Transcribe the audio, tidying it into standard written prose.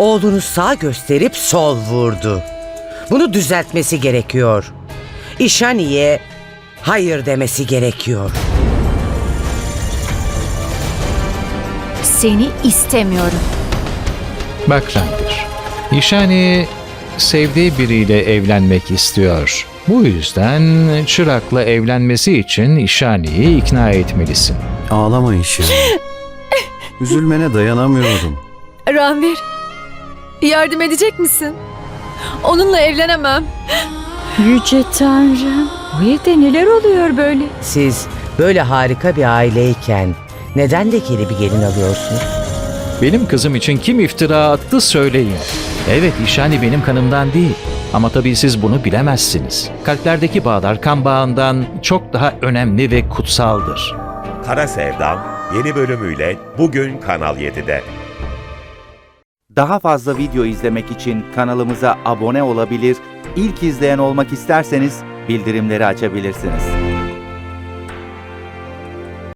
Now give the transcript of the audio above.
Oğlunu sağ gösterip sol vurdu. Bunu düzeltmesi gerekiyor. İşani'ye hayır demesi gerekiyor. Seni istemiyorum. Bak Ranbir, İşani sevdiği biriyle evlenmek istiyor. Bu yüzden Çırak'la evlenmesi için İşani'yi ikna etmelisin. Ağlama İşani. Üzülmene dayanamıyorum. Ranvir, yardım edecek misin? Onunla evlenemem. Yüce Tanrım. Bu evde neler oluyor böyle? Siz böyle harika bir aileyken neden lekeli bir gelin alıyorsunuz? Benim kızım için kim iftira attı söyleyin. Evet, İşani benim kanımdan değil. Ama tabii siz bunu bilemezsiniz. Kalplerdeki bağlar kan bağından çok daha önemli ve kutsaldır. Kara Sevdam yeni bölümüyle bugün Kanal 7'de. Daha fazla video izlemek için kanalımıza abone olabilir, ilk izleyen olmak isterseniz bildirimleri açabilirsiniz.